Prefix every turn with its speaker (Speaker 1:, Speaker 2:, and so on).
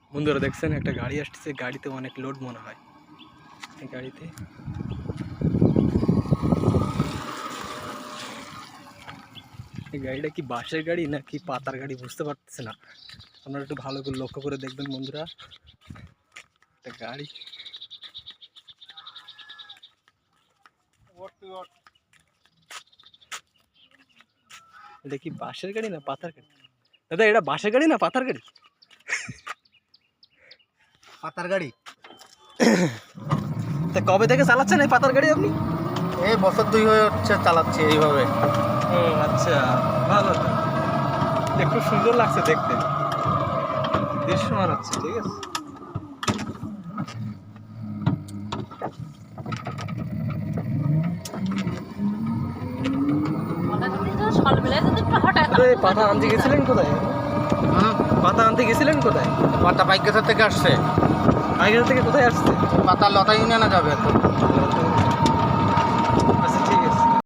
Speaker 1: বন্ধুরা দেখছেন একটা গাড়ি আসছে, গাড়িতে অনেক লোড মনে হয়। এই গাড়িতে এই গাড়িটা কি বাসের গাড়ি নাকি পাতার গাড়ি বুঝতে পারতেছে না। আপনারা একটু ভালো করে লক্ষ্য করে দেখবেন বন্ধুরা। একটা গাড়ি এটা কি বাসের গাড়ি না পাতার গাড়ি? দাদা এটা বাসের গাড়ি না পাতার গাড়ি?
Speaker 2: পাতার গাড়ি।
Speaker 1: তা কবে থেকে চালাচ্ছেন এই পাতার গাড়ি আপনি?
Speaker 2: এই বছর 2 হয়ে হচ্ছে চালাচ্ছি এইভাবে।
Speaker 1: ও আচ্ছা, ভালো তো, একটু সুন্দর লাগছে দেখতে, দৃশ্যমান হচ্ছে। ঠিক আছে, পাতা আনতে গেছিলেন কোথায়? পাতা আনতে গেছিলেন কোথায়?
Speaker 2: পাতা বাইকগাছা থেকে আসছে।
Speaker 1: আগের থেকে কোথায় আসছে?
Speaker 2: পাতা লতা ইউনিয়নে যাবে তো।